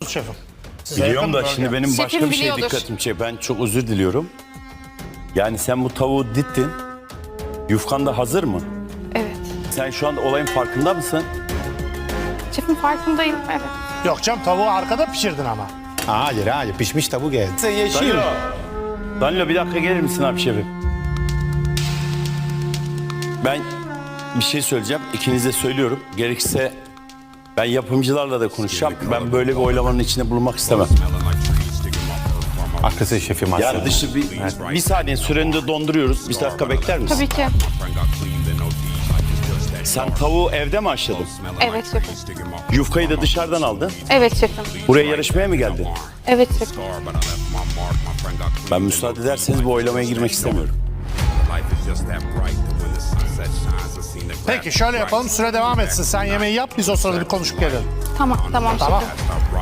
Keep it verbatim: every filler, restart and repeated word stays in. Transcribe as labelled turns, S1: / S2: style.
S1: Şefim. Size
S2: Biliyorum
S1: yakın
S2: da
S1: bölge.
S2: şimdi benim başka
S3: Şefim
S2: bir şey
S3: biliyordur.
S2: dikkatimi çekiyor. Ben çok özür diliyorum. Yani sen bu tavuğu dittin. Yufkan da hazır mı?
S3: Evet.
S2: Sen şu anda olayın farkında mısın?
S3: Şefim farkındayım. Evet.
S1: Yok canım, tavuğu arkada pişirdin ama.
S4: Hayır hayır pişmiş tavuk geldi. Sen yeşil.
S2: Danilo. Danilo bir dakika gelir misin abi şefim? Ben bir şey söyleyeceğim. İkinize söylüyorum. Gerekirse ben yapımcılarla da konuşacağım. Ben böyle bir oylamanın içinde bulunmak istemem.
S4: Haklısın şefim aslında.
S2: Yani dışı bir, bir saniye süreni de donduruyoruz. Bir dakika bekler misin?
S3: Tabii ki.
S2: Sen tavuğu evde mi haşladın?
S3: Evet şefim.
S2: Yufkayı da dışarıdan aldın.
S3: Evet şefim.
S2: Buraya yarışmaya mı geldin?
S3: Evet şefim.
S2: Ben müsaade ederseniz bu oylamaya girmek istemiyorum.
S1: Peki şöyle yapalım, süre devam etsin. Sen yemeği yap, biz o sırada bir konuşup gelelim.
S3: Tamam tamam
S1: Tamam.
S3: şefim.